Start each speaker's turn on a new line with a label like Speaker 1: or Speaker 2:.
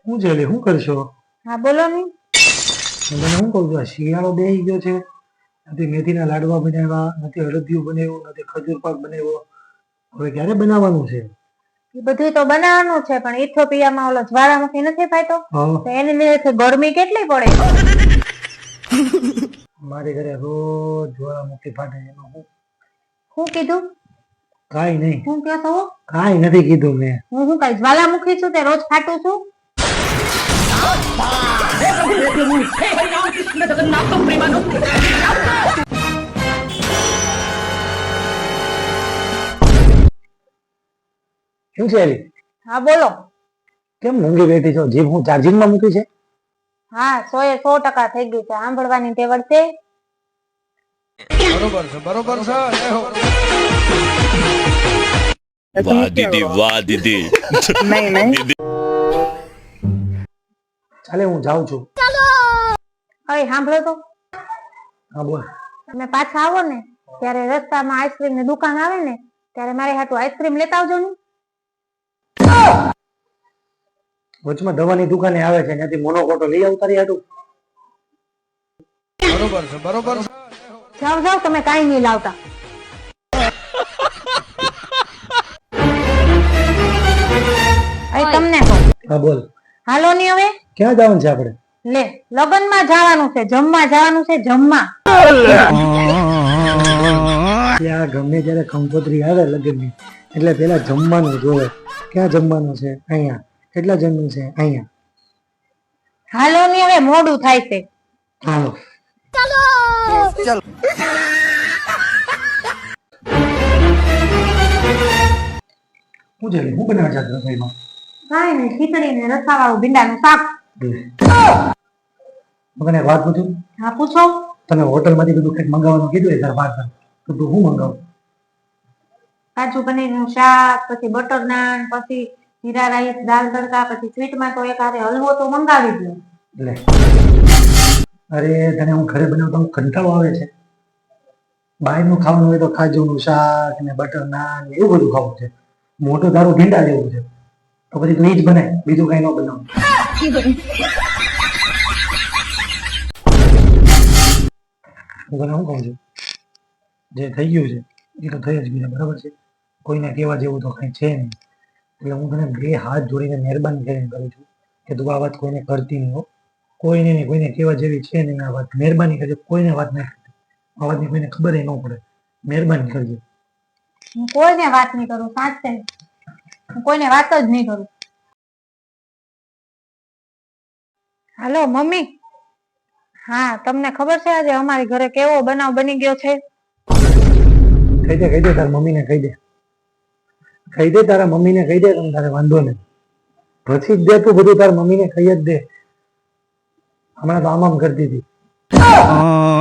Speaker 1: હું છે લે શું કરશો?
Speaker 2: હા બોલો ને.
Speaker 1: મને શું કહું છું, આ શિયાળો બેસી ગયો છે, નથી મેથીના લાડવા બનાવ્યા, નથી અડદિયું બનાવ્યું, નથી ખજૂર પાક બનાવ્યો. હવે ક્યારે બનાવવાનું છે?
Speaker 2: એ બધું તો બનાવવાનું છે, પણ ઇથોપિયામાં ઓલો જ્વાળામુખી નથી ફાયતો, તો એની લીધે ગરમી કેટલી પડે.
Speaker 1: મારે ઘરે રોજ જ્વાળામુખી ફાટે. એમાં
Speaker 2: શું કીધું?
Speaker 1: કાંઈ નહીં.
Speaker 2: શું કહો છો?
Speaker 1: કાંઈ નથી કીધું મેં.
Speaker 2: હું કઈ જ્વાળામુખી છું તે રોજ ફાટું છું?
Speaker 1: શું છે એલી?
Speaker 2: હા બોલો.
Speaker 1: કેમ મૂંગી બેઠી છો? જીભ હું ચાર્જિંગમાં મૂકી છે?
Speaker 2: હા 100% થઈ ગયું છે. સાંભળવાની ટેવડ છે.
Speaker 3: બરોબર છે, બરોબર છે.
Speaker 4: વાહ દીદી, વાહ દીદી.
Speaker 2: નહીં
Speaker 1: ચાલે હું જાઉં છું.
Speaker 2: હવે સાંભળો તો.
Speaker 1: હા બોલ.
Speaker 2: તમે પાછા આવો ને ત્યારે રસ્તામાં આઈસ્ક્રીમ ની દુકાન આવે ને ત્યારે મારે હાટુ આઈસ્ક્રીમ લેતા આવજો ને.
Speaker 1: વચમાં દવાની દુકાને આવે છે, ત્યાંથી મોનોકોટો લઈ આવતા રહ્યા તું.
Speaker 3: બરોબર છે, બરોબર છે.
Speaker 2: જાઓ જાઓ, તમે કાંઈ નહીં લાવતા. તમને કહું.
Speaker 1: હા બોલ.
Speaker 2: હાલો ની હવે.
Speaker 1: ક્યાં જવાનું છે આપણે?
Speaker 2: લે લગ્નમાં જવાનું છે, જમવા જવાનું છે, જમવા.
Speaker 1: ત્યાં ગમે ત્યારે કંકોત્રી આવે લગ્નની એટલે પેલા જમવાનું જોવે. ક્યાં જમવાનું છે? અહીંયા. કેટલા જણનું છે? અહીંયા.
Speaker 2: હાલો ની હવે, મોડું થાય છે.
Speaker 1: હાલો. શું છે? હું બનાવે છે રસોઈમાં?
Speaker 2: કાંઈ નહીં, ખીચડી ને રસાવાળું ભીંડાનું શાક.
Speaker 1: મને એક વાત પૂછું?
Speaker 2: હા પૂછો.
Speaker 1: તમે હોટલમાંથી બધું કંઈક મંગાવવાનું કીધું હજાર પાર્સલ, તો તું શું મંગાવ?
Speaker 2: કાજુ પનીરનું શાક, પછી બટર નાન, પછી જીરા રાઈસ, દાલ તડકા, પછી સ્વીટમાં તો એક હારે હલવો તો મંગાવી દો.
Speaker 1: લે અરે તને હું ઘરે બનાવતા હું કંટાળો આવે છે. બહારનું ખાવાનું હોય તો કાજુનું શાક ને બટર નાન ને એવું બધું ખાવું છે. મોટું તારું ભીંડા જેવું છે, તો પછી તું એ જ બનાય, બીજું કઈ ન બનાવ. હું તને શું કહું છું, જે થઈ ગયું છે એ તો થઈ જ ગયું છે, બરાબર છે. કોઈને કહેવા જેવું તો કઈ છે નહીં. એટલે હું તને બે હાથ જોડીને મહેરબાની કરીને કરું છું કે તું આ વાત કોઈને કરતી નહીં હો. કોઈને નહીં, કોઈને કહેવા જેવી છે નહીં આ વાત. મહેરબાની કરજે, કોઈને વાત નહીં કરતી. આ વાતની કોઈને ખબર ન પડે. મહેરબાની કરજે.
Speaker 2: હું કોઈને વાત નહીં કરું, સાચે હું કોઈને વાત જ નહીં કરું. હાલો મમ્મી. હા તમને ખબર છે આજે અમારી ઘરે કેવો બનાવ બની ગયો છે?
Speaker 1: કહી દે તારા મમ્મીને કહી દે. કહી દે તારા મમ્મીને કહી દે, તમે તારે વાંધો નહીં. પછી જ દે તું બધું, તારા મમ્મીને કહી જ દે. હમણાં તો આમ કરતી હતી.